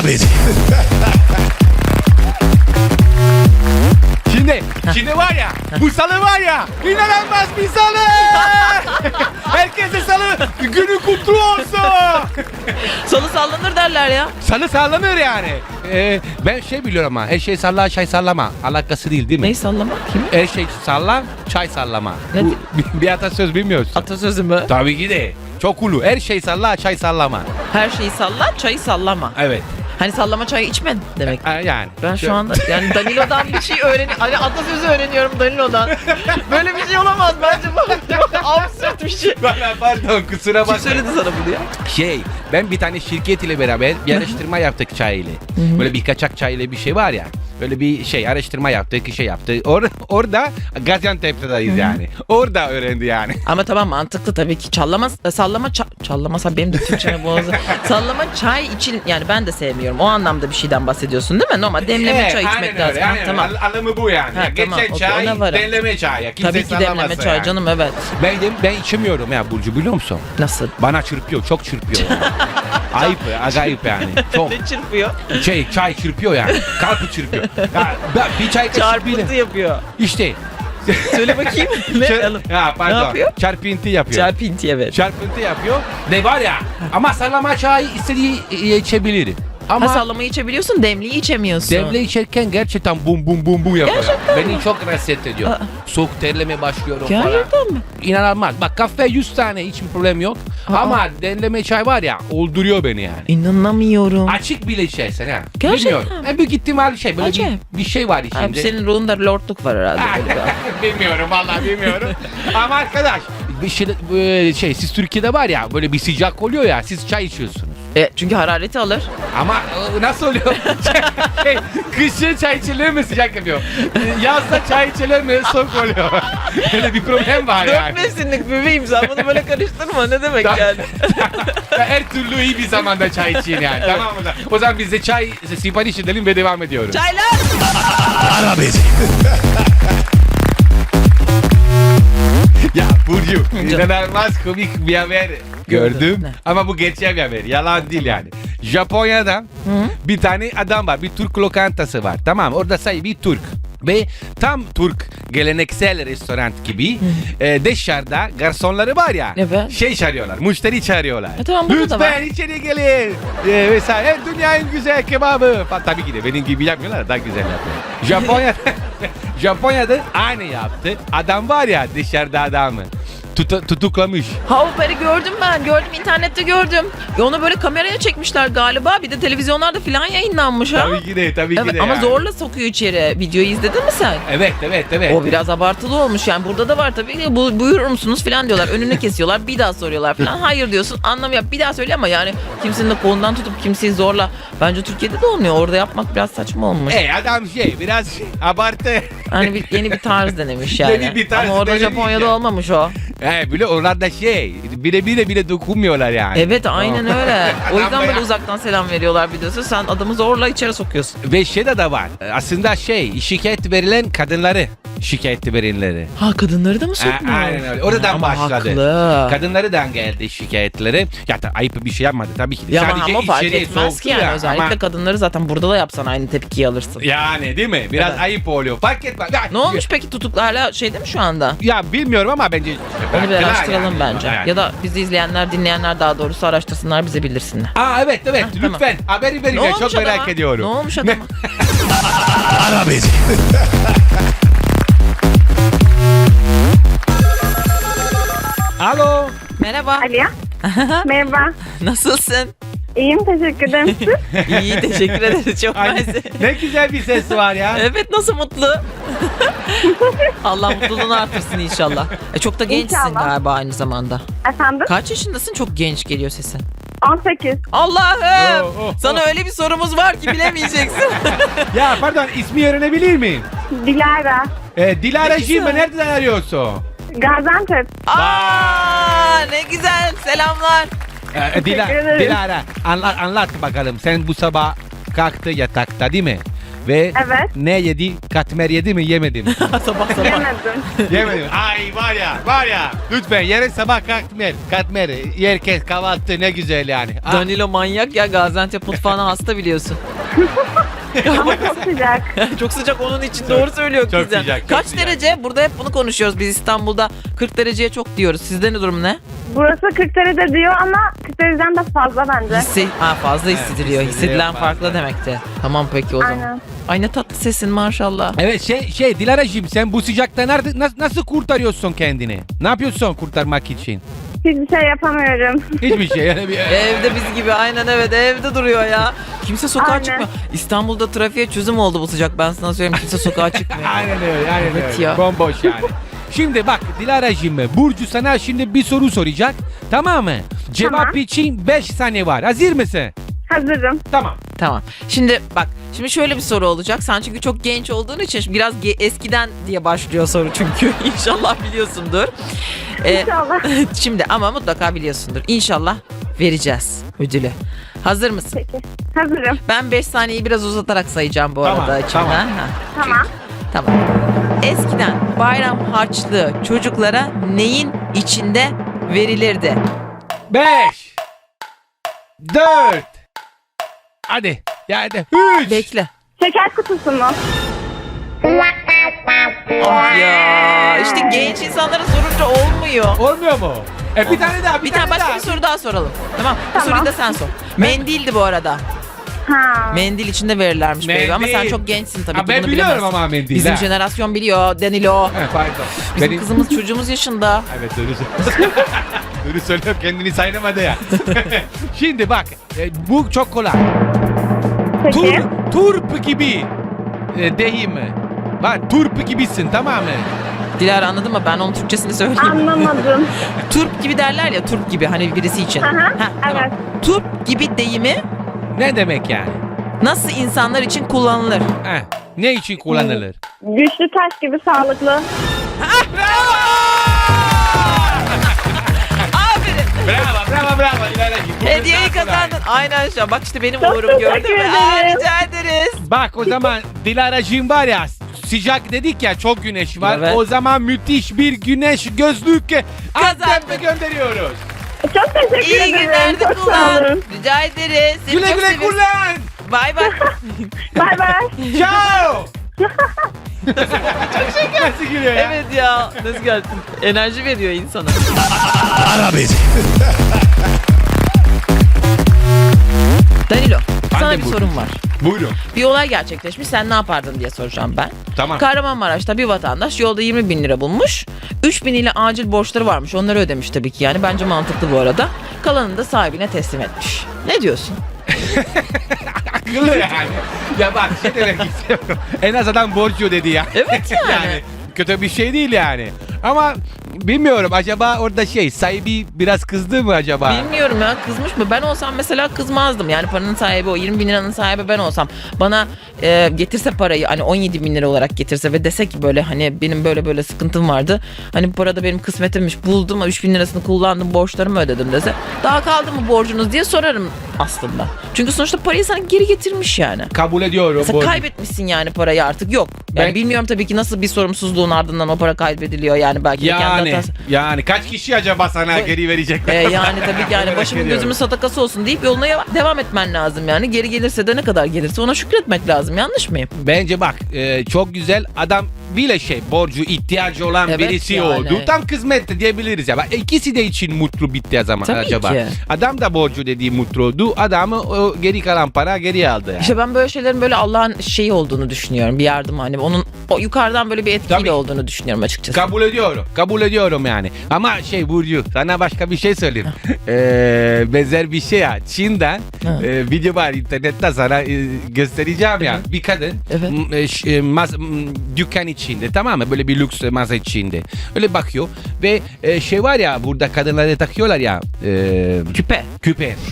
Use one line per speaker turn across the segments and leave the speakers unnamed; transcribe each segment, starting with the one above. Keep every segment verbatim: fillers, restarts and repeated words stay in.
Ara beni.
Şimdi, şimdi var ya, bu salı var ya, inanılmaz bir salı. Herkese salı günü kutlu olsun.
Salı sallanır derler ya.
Salı sallanır yani. Ee, ben şey biliyorum ama her şey salla çay sallama. Alakası değil değil mi?
Neyi sallamak? Kim?
Her şey salla çay sallama.
Ne
Bu,
di-
bir, bir atasöz bilmiyorsun.
Atasözü mü?
Tabii ki de. Çok ulu. Her şey salla çay sallama.
Her şeyi salla, çayı sallama.
Evet.
Hani sallama çayı içme demek.
Ha, yani.
Ben şu anda yani Danilo'dan bir şey öğreniyorum. Hani atasözü öğreniyorum Danilo'dan. Böyle bir şey olamaz bence bu. Absürt bir şey.
Bana pardon kusura
Kim
bakma.
söyledi sana bunu ya?
Şey ben bir tane şirket ile beraber bir araştırma yaptık çay ile. Böyle bir kaçak çay ile bir şey var ya. Böyle bir şey araştırma yaptık, şey yaptık. Or orada Gaziantep'teyiz yani. Orada öğrendi yani.
Ama tamam mantıklı tabii ki. Çallama, sallama, ça- çallamasa benim de Türkçe'me boğazı. Sallama çay için yani ben de sevmiyorum. O anlamda bir şeyden bahsediyorsun değil mi? Normal demleme
Evet,
çay içmek
aynen
lazım.
öyle,
Ha,
aynen
tamam.
öyle. Al- Anlamı bu yani.
Ha,
Ya,
tamam,
geçen
okey,
çay,
ona varım.
demleme çay. Ya. Kimse
Tabii ki demleme
sallamazsa
çay
yani.
canım evet.
Ben, de, ben içemiyorum ya Burcu biliyor musun?
Nasıl?
Bana çırpıyor, çok çırpıyor. Ayıp, acayip yani. Çok.
Ne çırpıyor?
Şey, çay çırpıyor yani. Kalpı çırpıyor. Ya, ben bir çay kaşığı
Çarpıntı
bile.
yapıyor.
İşte.
Söyle bakayım. ne?
Çar- ya pardon.
Ne yapıyor?
Çarpıntı yapıyor.
Çarpıntı evet.
Çarpıntı yapıyor. Ne var ya. Ama sallama çayı istediği içebilir.
Ha
Ama
sallamayı içebiliyorsun, demliği içemiyorsun.
devle içerken gerçekten bum bum bum bum yapıyor.
Gerçekten
Beni çok rahatsız ediyor.
Aa.
Soğuk terleme başlıyorum falan.
Gerçekten mi?
İnanılmaz. Bak kahve yüz tane hiç problem yok.
Aa.
Ama demleme çay var ya öldürüyor beni yani.
İnanamıyorum.
Açık bile içersen ha.
Gerçekten
Bilmiyorum. E, büyük ihtimal şey böyle bir,
Acayip.
bir şey var
Abi
içinde.
senin ruhunda lordluk var herhalde.
Ha,
böyle bir-
bilmiyorum vallahi bilmiyorum. Ama arkadaş bir şey, böyle şey siz Türkiye'de var ya böyle bir sıcak oluyor ya siz çay içiyorsunuz.
E, çünkü harareti alır.
Ama e, nasıl oluyor? şey, kışın çay içilir mi sıcak yapıyor? E, Yazda çay içilir mi soğuk oluyor? Öyle bir problem var
Dört
yani.
mevsimlik bebeğim sen bunu böyle karıştırma ne demek
Tamam.
yani.
Her türlü iyi bir zamanda çay için yani. Tamam mı? O zaman biz de çay sipariş edelim ve devam ediyoruz.
Çaylar.
Ara beni.
Ya Burcu inanılmaz komik bir haber gördüm.
Ne?
Ama bu gerçek bir haber. Yalan değil yani. Japonya'da bir tane adam var. Bir Türk lokantası var. Tamam orada sahibi Türk. Ve tam Türk geleneksel restoran gibi e, dışarıda garsonları var ya
Evet.
şey çağırıyorlar, müşteri çağırıyorlar.
E tamam, burada da
Lütfen
var.
içeri gelin. E, vesaire dünyanın güzel kebabı. Fa- Tabii ki de benim gibi yapmıyorlar daha güzel yapıyor. Japonya'da Japonya'da aynı yaptı. Adam var ya dışarıda adamı tutu- tutuklamış.
Ha o haberi gördüm ben. Gördüm internette gördüm. E onu böyle kameraya çekmişler galiba. Bir de televizyonlarda falan yayınlanmış ha.
Tabii ki de tabii ki
Evet,
de.
ama
yani.
zorla sokuyor içeri. Videoyu izledin mi sen?
Evet evet evet.
O biraz abartılı olmuş yani burada da var tabii ki bu, buyurur musunuz falan diyorlar önünü kesiyorlar bir daha soruyorlar falan hayır diyorsun anlamıyor bir daha söyle ama yani kimsenin de kolundan tutup kimseyi zorla bence Türkiye'de de olmuyor orada yapmak biraz saçma olmuş.
E adam şey biraz abartı.
Hani bir, yeni bir tarz denemiş yani.
Yeni bir tarz
ama orada
denemiş
Japonya'da
ya.
olmamış o.
He bile oralarda şey bile bile bile dokunmuyorlar yani.
Evet aynen öyle. O yüzden
Adam
böyle
be-
uzaktan selam veriyorlar biliyorsun. Sen adamı zorla içeri sokuyorsun.
Ve şey de, de var. Aslında şey şikayet verilen kadınları şikayet verenleri.
Ha kadınları da mı
A-
sokmuyor?
Aynen öyle. Oradan
Ama
başladı.
haklı.
Kadınlardan geldi şikayetleri. Ya da ayıp bir şey yapmadı tabii ki de.
Ya ama,
Sadece
ama fark
içeriye
etmez
soktu
ki yani
ya.
özellikle
Ama-
kadınları zaten burada da yapsan aynı tepkiyi alırsın.
Yani değil mi? Biraz
Evet.
ayıp oluyor. Fark etmez. Ya,
Ne olmuş peki tutuklu hala şeyde mi şu anda?
Ya bilmiyorum ama bence
Onu bir
bıraktılar
araştıralım
yani.
bence.
Yani.
Ya da bizi izleyenler, dinleyenler daha doğrusu araştırsınlar bize bildirsinler.
Aa evet evet
Heh, tamam.
lütfen haberi verin.
Ne
ya,
olmuş
Çok merak
adama?
ediyorum.
Ne olmuş adama?
Ara beni.
Alo.
Merhaba.
Alo. Merhaba.
Nasılsın?
İyiyim, teşekkür ederim. Siz?
İyi teşekkür ederiz çok
Ay,
mersi.
ne güzel bir ses var ya.
Evet nasıl mutlu? Allah mutluluğunu artırsın inşallah. E, çok da gençsin
İnşallah.
galiba aynı zamanda.
Efendim?
Kaç yaşındasın? Çok genç geliyor sesin.
on sekiz.
Allah'ım!
Oh, oh,
Sana
oh.
öyle bir sorumuz var ki bilemeyeceksin.
Ya pardon ismi öğrenebilir miyim?
Dilara.
Ee, Dilara
Ne güzel.
Jim nereden arıyorsun?
Gaziantep.
Aa, ne güzel. Selamlar.
Ee, Dila,
Teşekkür ederim.
Dilara anlat, anlat bakalım. Sen bu sabah kalktı yatakta değil mi? Ve
Evet.
ne yedi? Katmer yedi mi yemedi mi?
sabah sabah.
Yemedim.
Yemedim. Ay var ya var ya. Lütfen yarın sabah katmer. Katmer. Herkes kahvaltı ne güzel yani. Ah,
Danilo manyak ya, Gaziantep mutfağına hasta biliyorsun.
Ama çok sıcak.
Çok sıcak onun için, doğru söylüyor
çok
Gizem.
sıcak, çok
Kaç
sıcak.
derece? Burada hep bunu konuşuyoruz. Biz İstanbul'da kırk dereceye çok diyoruz. Sizde ne durum ne?
Burası kırk derece diyor ama kırk dereceden de fazla bence.
Hissi, ha, fazla hissediliyor.
hissediliyor
Hissedilen
fazla.
farklı demekti. Tamam peki o zaman.
Aynen.
Ay ne tatlı sesin maşallah.
Evet şey şey Dilara'cığım sen bu sıcakta nerede nasıl, nasıl kurtarıyorsun kendini? Ne yapıyorsun kurtarmak için?
Hiçbir şey yapamıyorum.
Hiçbir şey yani bir...
Evde biz gibi, aynen, evet, evde duruyor ya. Kimse sokağa
Aynen.
çıkmıyor. İstanbul'da trafiğe çözüm oldu bu sıcak, ben sana söyleyeyim, kimse sokağa çıkmıyor.
Aynen öyle, aynen
Evet
öyle.
ya.
Bomboş yani. Şimdi bak Dilara'cığım, Burcu sana şimdi bir soru soracak. Tamam mı? Cevap
Tamam.
için beş saniye var. Hazır mısın?
Hazırım.
Tamam.
Tamam. Şimdi bak, şimdi şöyle bir soru olacak. Sen çünkü çok genç olduğun için biraz ge- eskiden diye başlıyor soru çünkü. İnşallah biliyorsundur. Ee,
İnşallah.
şimdi ama mutlaka biliyorsundur. İnşallah vereceğiz ödülü. Hazır mısın?
Peki. Hazırım.
Ben beş saniyeyi biraz uzatarak sayacağım bu
Tamam,
arada.
tamam.
içinden. Ha.
Tamam.
Tamam. Eskiden bayram harçlığı çocuklara neyin içinde verilirdi?
Beş. Dört. Hadi. Yani üç.
Bekle.
Şeker kutusu mu?
Ah ya. İşte genç insanlara sorunca olmuyor.
Olmuyor mu? E bir tane daha, bir,
Bir tane başka
daha.
bir soru daha soralım. Tamam. Bu
Tamam.
soruyu da sen sor. Mendildi bu arada.
Ha.
Mendil içinde verirlermiş baby ama sen
Mendil.
çok gençsin tabii
Ha,
ki,
ben
bunu
biliyorum
bilemezsin.
ama mendil,
Bizim
ha.
jenerasyon biliyor Danilo.
He, pardon.
Bizim
Benim-
kızımız çocuğumuz yaşında.
Evet doğru söylüyorsun. Doğru söylüyorum, kendini saynamadı ya. Şimdi bak e, bu çok kolay.
Peki.
Tur, turp gibi e, deyim. Bak turp gibisin, tamam mı?
Dilara anladın mı? Ben onun Türkçesini söyleyeyim.
Anlamadım.
Turp gibi derler ya, turp gibi hani birisi için.
Hı hı,
Heh, tamam.
evet.
Turp gibi deyimi
Ne demek yani?
nasıl insanlar için kullanılır?
Heh, ne için kullanılır?
Güçlü taş gibi sağlıklı.
Aferin.
Bravo, bravo, bravo. İlerleyin. Bu
Hediyeyi
çok kolay.
kazandın. Aynen şu an. Bak işte benim
Çok
uğurum, gördün
teşekkür
mü? Aa,
ederim.
rica ederiz.
Bak o zaman Dilara'cığım var ya, sıcak dedik ya, çok güneş var.
Evet.
O zaman müthiş bir güneş gözlük Antep'e gönderiyoruz.
Çok teşekkür
İyi
ederim.
günlerde
Çok sağ
kullan.
olun.
Rica ederiz. Seni
Güle
çok
güle
seviyoruz.
kullan.
Bay bay.
Bay bay.
Ciao. Nasıl gülüyor ya?
Evet ya. Nasıl geldin? Enerji veriyor insana.
Ara bezi.
Danilo, sana
de
bir
buyurun.
sorum var.
Buyurun.
Bir olay gerçekleşmiş. Sen ne yapardın diye soracağım ben.
Tamam.
Kahramanmaraş'ta bir vatandaş yolda yirmi bin lira bulmuş. üç bin ile acil borçları varmış. Onları ödemiş tabii ki yani. Bence mantıklı bu arada. Kalanını da sahibine teslim etmiş. Ne diyorsun?
Akıllı yani. Ya bak şey demek istiyorum. En az adam borcu dedi ya.
Evet yani.
kötü bir şey değil yani. Ama bilmiyorum, acaba orada şey sahibi biraz kızdı mı acaba?
Bilmiyorum ya, kızmış mı? Ben olsam mesela kızmazdım. Yani paranın sahibi o. yirmi bin liranın sahibi ben olsam. Bana e, getirse parayı, hani on yedi bin lira olarak getirse ve dese ki böyle hani benim böyle böyle sıkıntım vardı. Hani bu parada benim kısmetimmiş, buldum, üç bin lirasını kullandım, borçlarımı ödedim dese. Daha kaldı mı borcunuz diye sorarım aslında. Çünkü sonuçta parayı sana geri getirmiş yani.
Kabul ediyorum.
Mesela
borcu.
kaybetmişsin yani parayı, artık yok. Yani
Ben-
bilmiyorum tabii ki nasıl bir sorumsuzluğun ardından o para kaybediliyor yani, belki de kendi
Yani
hatası.
yani kaç kişi acaba sana
Bu-
geri verecekler?
Ee, yani tabii ki yani
Merak
başımın
ediyorum.
gözümün sadakası olsun deyip yoluna ya- devam etmen lazım yani. Geri gelirse de ne kadar gelirse ona şükretmek lazım. Yanlış mıyım?
Bence bak e, çok güzel adam, bile şey borcu ihtiyacı olan
Evet
birisi
yani.
oldu. Tam kısmet diyebiliriz ya. Bak, İkisi de için mutlu bitti o zaman
Tabii
acaba.
ki.
Adam da borcu dediği mutlu oldu. Adamı o geri kalan para geri aldı yani.
İşte ben böyle şeylerin böyle Allah'ın şeyi olduğunu düşünüyorum. Bir yardım, hani onun o yukarıdan böyle bir etkiyle
Tabii.
olduğunu düşünüyorum açıkçası.
Kabul ediyorum. Kabul ediyorum yani. Ama şey Burcu, sana başka bir şey söyleyeyim. ee, benzer bir şey ya. Çin'den
Ha.
e, video var internette, sana e, göstereceğim ya. Bir kadın
Evet.
m- e, ş- e, mas- m- dükkan içinde, tamam mı? Böyle bir lüks masa içinde. Öyle bakıyor ve e, şey var ya, burada kadınlara takıyorlar ya. E,
Küpe.
küpe.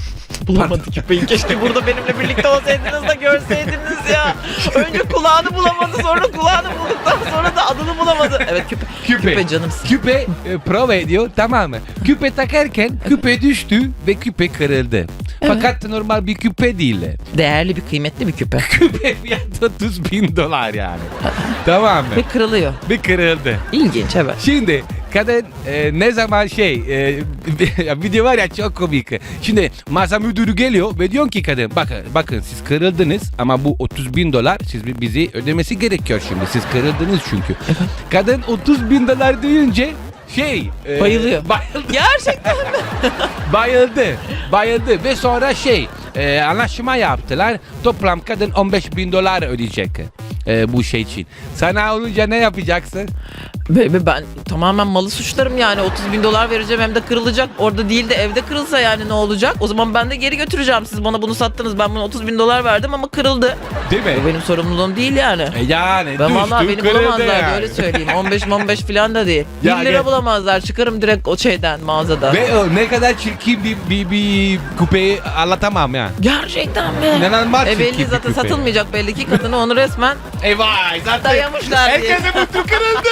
Bulamadı küpeyi. Keşke burada benimle birlikte olsaydınız da görseydiniz ya. Önce kulağını bulamadı, sonra kulağını bulduktan sonra da adını bulamadı. Evet küpe.
Küpe.
Küpe canımsın.
Küpe e, prova ediyor, tamam mı? Küpe takarken küpe düştü ve küpe kırıldı. Fakat normal bir küpe değil.
Değerli bir kıymetli bir küpe.
Küpe fiyatı otuz bin dolar yani. Tamam mı?
Ve kırılıyor.
Ve kırıldı.
İlginç evet.
Şimdi kadın e, ne zaman şey e, video var ya çok komik. Şimdi masa müdürü geliyor ve diyor ki kadın bakın bakın siz kırıldınız ama bu otuz bin dolar siz bi- bizi ödemesi gerekiyor şimdi. Siz kırıldınız çünkü. Kadın otuz bin dolar duyunca şey e,
Bayılıyor.
bayıldı.
Gerçekten mi?
bayıldı. Bayıldı ve sonra şey e, anlaşma yaptılar. Toplam kadın on beş bin dolar ödeyecek e, bu şey için. Sana olunca ne yapacaksın?
Be- Ben tamamen malı suçlarım yani. otuz bin dolar vereceğim hem de kırılacak. Orada değil de evde kırılsa yani ne olacak? O zaman ben de geri götüreceğim. Siz bana bunu sattınız. Ben buna otuz bin dolar verdim ama kırıldı.
Değil mi?
Bu benim sorumluluğum değil yani.
E yani
Ben
düştü,
vallahi beni
kırıldı
bulamazlar
yani.
öyle söyleyeyim. on beş on beş falan da değil.
Ya
bir lira
gel.
bulamazlar. Çıkarım direkt o şeyden mağazada.
Ve o ne kadar çirkin bir, bir, bir kupeyi anlatamam ya.
Gerçekten mi?
İnanılmaz
E
çirkin
belli
bir
zaten
küpe.
satılmayacak belli ki kadını onu resmen
E vay zaten
dayamışlar diye.
herkese mutlu kırıldı.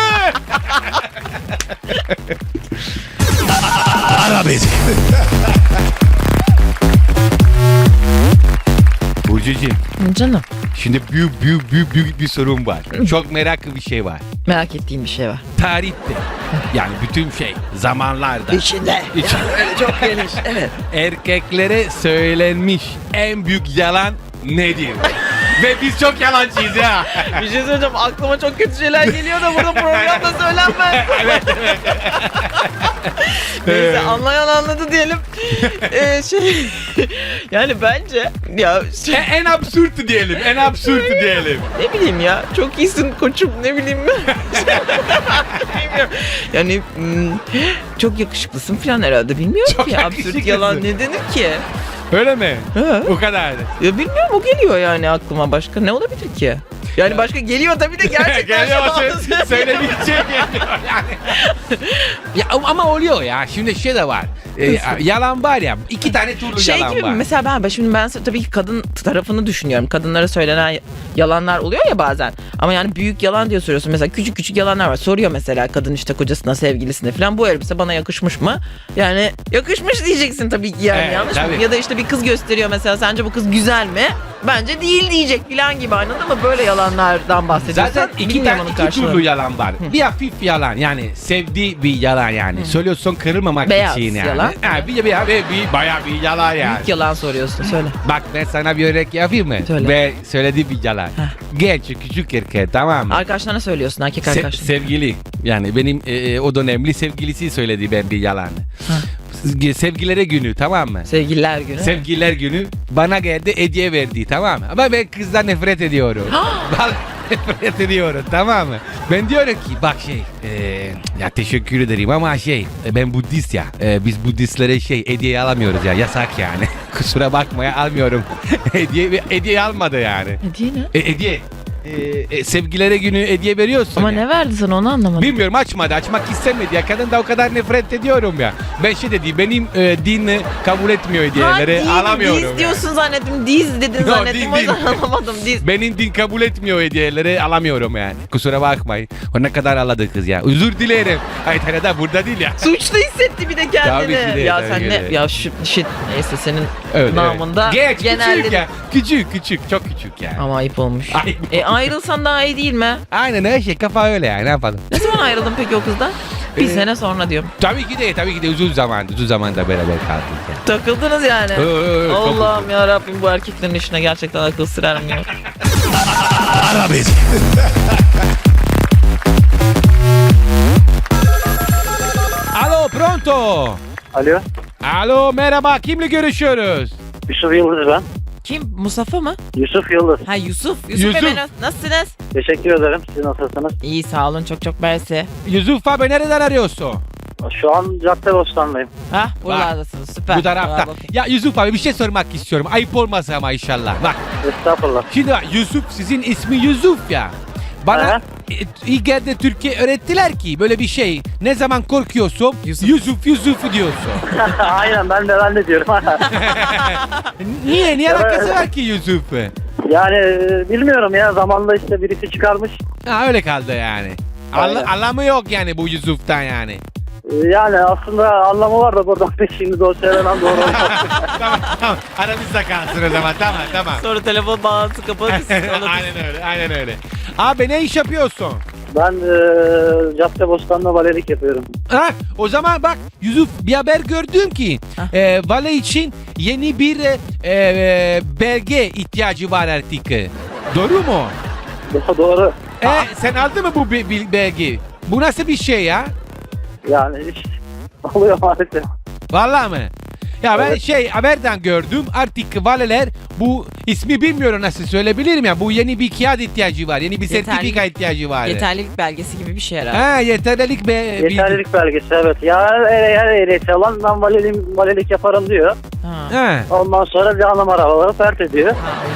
Ara beni.
Burcucuğum
Canım
şimdi büyük büyük büyük büyük bir sorun var. Çok meraklı bir şey var.
merak ettiğim bir şey var.
Tarihte yani bütün şey zamanlarda
İçinde.
İçinde.
Öyle çok geniş. Evet.
erkeklere söylenmiş en büyük yalan nedir? Ve biz çok yalancıyız ya.
Bir şey söyleyeceğim. Aklıma çok kötü şeyler geliyor da burada programda söylenmez. Neyse anlayan anladı diyelim. Ee, şey yani bence ya
E,
şey,
en absürt diyelim. En absürt diyelim.
ne bileyim ya çok iyisin koçum ne bileyim ben. Bilmiyorum. Yani hmm, çok yakışıklısın falan herhalde bilmiyorum
Çok
ki absürt
yakışıklısın.
yalan ne denir ki?
Öyle mi?
He.
O kadar.
Ya bilmiyorum o geliyor yani aklıma başka ne olabilir ki? Yani başka geliyor tabii de gerçekten
Geliyor
şu an-
sö- söylemeyecek geliyor yani. Ya ama oluyor ya. Şimdi şey de var. E, yalan var ya. iki tane türlü
Şey
yalan
gibi mi?
var.
Mesela ben, ben şimdi ben tabii ki kadın tarafını düşünüyorum. Kadınlara söylenen yalanlar oluyor ya bazen. Ama yani büyük yalan diye soruyorsun. Mesela küçük küçük yalanlar var. Soruyor mesela kadın işte kocasına, sevgilisine falan bu elbise bana yakışmış mı? Yani yakışmış diyeceksin tabii ki yani
Evet,
yanlış
tabii.
mı? Ya da işte bir kız gösteriyor mesela sence bu kız güzel mi? Bence değil diyecek falan gibi anladın mı? Böyle yalanlardan bahsediyorsan
Zaten iki
bilmiyorum
tane
onun
iki
karşılığını.
türlü yalan var. Bir hafif yalan yani sevdiği bir yalan yani. Söylüyorsun kırılmamak
Beyaz
için yani.
yalan.
Ha, bir, bir, bir, bir, bayağı bir yalan yani.
Büyük yalan soruyorsun söyle.
Bak ben sana bir örnek yapayım mı?
Söyle.
Ve söylediği bir yalan. Genç küçük erkek tamam mı?
Arkadaşlarına söylüyorsun erkek
Se-
arkadaşlarına.
sevgili yani benim e, o dönemli sevgilisi söyledi ben bir yalan. Sevgilere günü tamam mı?
Sevgililer günü.
Sevgililer günü bana geldi hediye verdi tamam mı? Ama ben kızdan nefret ediyorum. Vallahi nefret ediyorum tamam mı? Ben diyorum ki bak şey e, ya teşekkür ederim ama şey e, ben Budist ya. E, biz Budistlere şey hediye alamıyoruz ya yasak yani. Kusura bakmaya almıyorum. hediye hediye almadı yani.
Hediye ne?
E, hediye. E, e, sevgilere günü hediye veriyorsun
Ama
ya.
ne verdi sana onu anlamadım.
Bilmiyorum açmadı açmak istemedi ya kadın da o kadar nefret ediyorum ya. Ben şey dedi benim e, din kabul etmiyor hediyeleri
Ha,
alamıyorum.
Diz
yani.
diyorsun zannettim. Diz dedin
Yo,
zannettim.
din,
O yüzden
din.
anlamadım. Diz.
Benim din kabul etmiyor hediyeleri alamıyorum yani. Kusura bakmayın. O ne kadar ağladı kız ya. Özür dilerim. Ay tane da burada değil ya.
Suçlu hissetti bir de kendini.
Tabii ki de,
ya
tabii
sen
ki
ne?
de.
Ya şu shit neyse senin
Öyle,
namında
evet. Geç
genelde.
küçük ya. Küçük küçük çok küçük yani.
Ama ayıp olmuş.
Ayıp
E ayrılsan daha iyi değil mi?
Aynen her şey kafa öyle yani ne yapalım.
Ne zaman ayrıldın peki o kızdan? Bir
Ee,
sene sonra diyorum.
Tabii ki de tabii ki de uzun zaman uzun zamanda beraber kaldık yani.
Takıldınız yani.
Ö, ö, ö, çok
Allah'ım ya Rabbim bu erkeklerin işine gerçekten akıl sırarmıyor.
Ara beni.
Alo pronto.
Alo,
Alo merhaba kimle görüşüyoruz?
Yusuf Yıldız ben.
Kim? Mustafa mı?
Yusuf Yıldız.
Ha Yusuf. Yusuf,
Yusuf.
Bey nas- nasılsınız?
Teşekkür ederim. Siz nasılsınız?
İyi sağ olun çok çok mersi.
Yusuf abi nereden arıyorsun?
Şu an Caddebostan'dayım.
Ha buralardasınız süper.
Bu tarafta.
Bravo.
Ya Yusuf abi bir şey sormak istiyorum. Ayıp olmasa ama inşallah. Bak
Estağfurullah.
şimdi bak Yusuf sizin ismi Yusuf ya. Bana
Aha.
ilk geldi Türkiye öğrettiler ki böyle bir şey. Ne zaman korkuyorsun
Yusuf.
Yusuf Yusuf, diyorsun.
Aynen ben de ben de diyorum.
Niye? Niye
Evet.
alakası var ki Yusuf?
yani e, bilmiyorum ya zamanla işte birisi çıkarmış.
Ha, öyle kaldı yani.
Aynen.
Anla- anlamı yok yani bu Yusuf'tan yani.
E, Yani aslında anlamı var da buradan şimdi doğru söylemem doğru olmaz.
Tamam tamam, aramızda kalsın o zaman, tamam tamam.
Sonra telefon bağlantısı kapatırsın.
Aynen öyle, aynen öyle. Abi ne iş yapıyorsun?
Ben e, Caddebostan'da valelik yapıyorum.
Ha, o zaman bak Yusuf, bir haber gördüm ki
Hah.
e, vale için yeni bir e, e, belge ihtiyacı var artık. Doğru mu?
Do- doğru.
E, sen aldın mı bu be- bil- belgeyi? Bu nasıl bir şey ya?
Yani işte oluyor maalesef.
Vallahi mı? Ya ben
Evet.
şey haberden gördüm, artık valeler bu ismi bilmiyorum nasıl söyleyebilirim ya, bu yeni bir kağıt ihtiyacı var, yeni bir
Yeterli-
sertifika ihtiyacı var.
Yeterlilik belgesi gibi bir şey herhalde.
Ha, yeterlilik be.
Yeterlilik belgesi evet. Ya eğer eğer ehliyeti alan ben valelik, valelik yaparım diyor.
Bir...
Ha.
Ha.
Ondan sonra canım arabaları pert ediyor.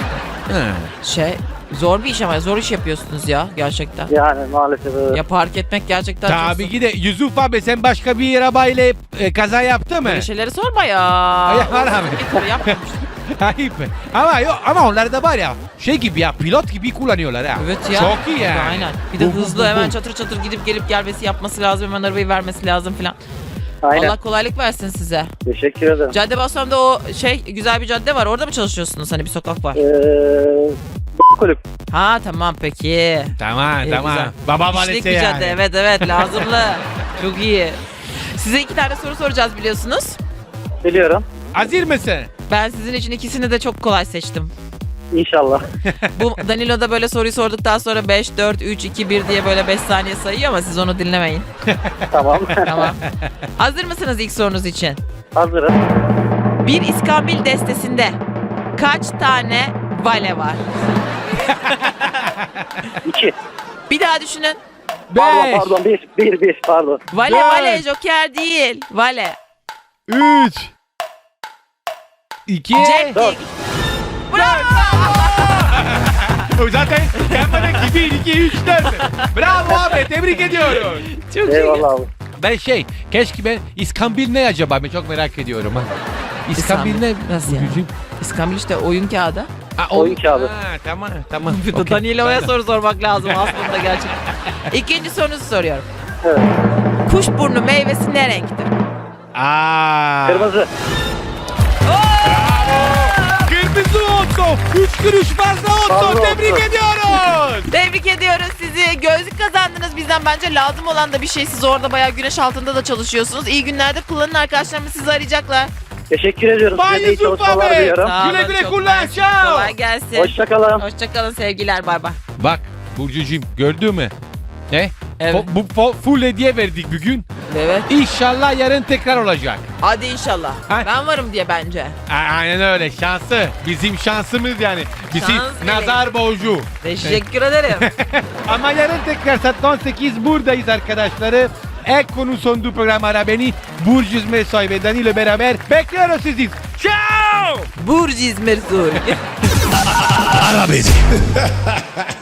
Ha.
Şey zor bir iş ama zor iş yapıyorsunuz ya gerçekten.
Yani maalesef evet.
Ya park etmek gerçekten çok
Tabii
zor.
ki de Yusuf abi, sen başka bir arabayla e, kaza yaptı mı?
Böyle şeyleri sorma ya.
Ya, var abi.
Getir, yapmamış.
Ayıp. Ama yok, ama onlar da var ya şey gibi ya, pilot gibi kullanıyorlar ha.
Evet ya.
Çok iyi yani.
Aynen. Bir de
Bu, bu,
hızlı
bu,
hemen
bu.
çatır çatır gidip gelip gelmesi yapması lazım. Hemen arabayı vermesi lazım filan.
Aynen.
Allah kolaylık versin size.
Teşekkür ederim.
Caddebostan'da o şey güzel bir cadde var. Orada mı çalışıyorsunuz? Hani bir sokak var.
Ee, kulüp.
Ha tamam peki.
Tamam
İyi,
tamam.
güzel.
Baba
İşlik
valisi
bir
yani.
cadde. Evet evet lazımlı. Çok iyi. Size iki tane soru soracağız biliyorsunuz.
Biliyorum.
Hazır mısın?
Ben sizin için ikisini de çok kolay seçtim.
İnşallah.
Bu Danilo da böyle soruyu sorduktan sonra beş, dört, üç, iki, bir diye böyle beş saniye sayıyor ama siz onu dinlemeyin.
Tamam.
Tamam. Hazır mısınız ilk sorunuz için?
Hazırım.
Bir iskambil destesinde kaç tane vale var?
İki.
Bir daha düşünün.
Pardon
Beş.
pardon. Bir. Bir. Bir. Pardon.
Vale
Dört.
vale joker değil. Vale.
Üç. İki.
Cep
Dört.
Bravo.
O zaten gelmeden bir, iki, üç, dört. Bravo abi, tebrik ediyorum.
Çok iyi.
Eyvallah abi.
Ben şey, keşke ben İskambil ne acaba, ben çok merak ediyorum ha. İskambil ne?
Nasıl yani?
Burcucuğum?
İskambil işte oyun kağıdı.
Ha,
Oyun kağıdı.
Ha, tamam tamam.
Bir de
Okey.
Danilo'ya soru sormak lazım aslında gerçekten. İkinci sorunuzu soruyorum.
Evet.
Kuşburnu meyvesi ne renktir?
Aa.
Kırmızı.
Kırmızı oldu. Üç kuruş fazla oldu.
Fazla
Tebrik
oldu.
ediyoruz. Tebrik ediyoruz sizi. Gözlük kazandınız bizden. Bence lazım olan da bir şey. Siz orada bayağı güneş altında da çalışıyorsunuz. İyi günlerde kullanın, arkadaşlarımız sizi arayacaklar.
Teşekkür ediyorum.
Bay
Size de iyi
Yusuf
çalışmalar
abi.
diliyorum.
Sağ olun,
Güle güle
çok
kullan,
mersi.
ciao.
Kolay gelsin.
Hoşçakalın.
Hoşçakalın sevgiler. Bay bay.
Bak Burcucuğum, gördün mü? Ne?
Evet.
Fo- bu fo- full hediye verdik bugün.
Evet.
İnşallah yarın tekrar olacak.
Hadi inşallah.
Ha?
Ben varım diye bence.
A- Aynen öyle, şansı. Bizim şansımız yani. Bizim
Şans
nazar boncuğu.
Teşekkür ederim.
Ama yarın tekrar saat on sekiz buradayız arkadaşları. Ek konu sondu program Ara Beni. Burcu İzmirsoy ve Danilo beraber bekliyoruz sizi. Ciao!
Burcu İzmir Sur.
Ara beni.